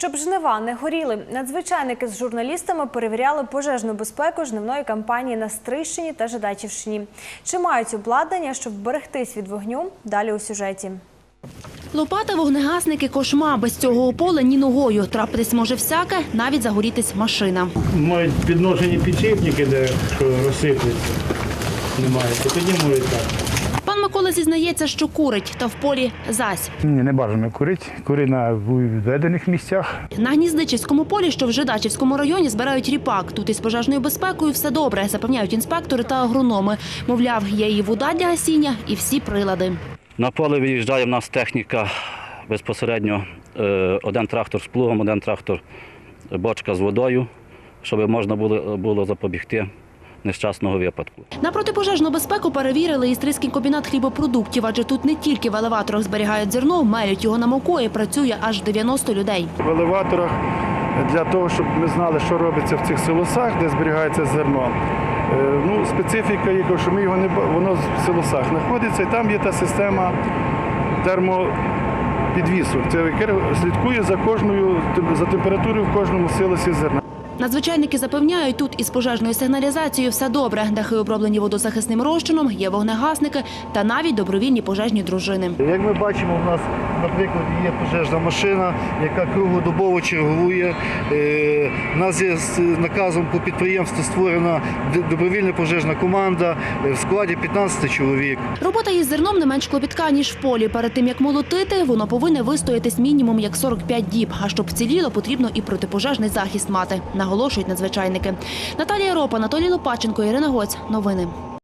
Щоб жнива не горіли, надзвичайники з журналістами перевіряли пожежну безпеку жнивної кампанії на Стрийщині та Жидачівщині. Чи мають обладнання, щоб вберегтись від вогню? Далі у сюжеті. Лопата, вогнегасники, кошма. Без цього у поле ні ногою. Трапитись може всяке, навіть загорітись машина. Мають підношені підшипники, де розсиплються. Немає, то тоді може так. Пан Микола зізнається, що курить, та в полі зась. Ні, не бажано курити. Кури на відведених місцях. На Гніздичівському полі, що в Жидачівському районі, збирають ріпак. Тут із пожежною безпекою все добре, запевняють інспектори та агрономи. Мовляв, є і вода для гасіння, і всі прилади. На поле виїжджає в нас техніка безпосередньо. Один трактор з плугом, один трактор бочка з водою, щоб можна було запобігти нещасного випадку. На протипожежну безпеку перевірили і Стрийський комбінат хлібопродуктів, адже тут не тільки в елеваторах зберігають зерно, мелють його на муку і працює аж 90 людей. В елеваторах для того, щоб ми знали, що робиться в цих силосах, де зберігається зерно. Специфіка є, що ми його воно в силосах знаходиться, і там є та система термопідвісу, яка слідкує за температурою в кожному силосі зерна. Надзвичайники запевняють, тут із пожежною сигналізацією все добре. Дахи оброблені водозахисним розчином, є вогнегасники та навіть добровільні пожежні дружини. Як ми бачимо, у нас, наприклад, є пожежна машина, яка круглодобово чергує. У нас є з наказом по підприємству створена добровільна пожежна команда в складі 15 чоловік. Робота із зерном не менш клопітка, ніж в полі. Перед тим, як молотити, воно повинне вистоятись мінімум як 45 діб. А щоб вціліло, потрібно і протипожежний захист мати, наголошують надзвичайники. Наталія Ропа, Анатолій Лопаченко, Ірина Гоць. Новини.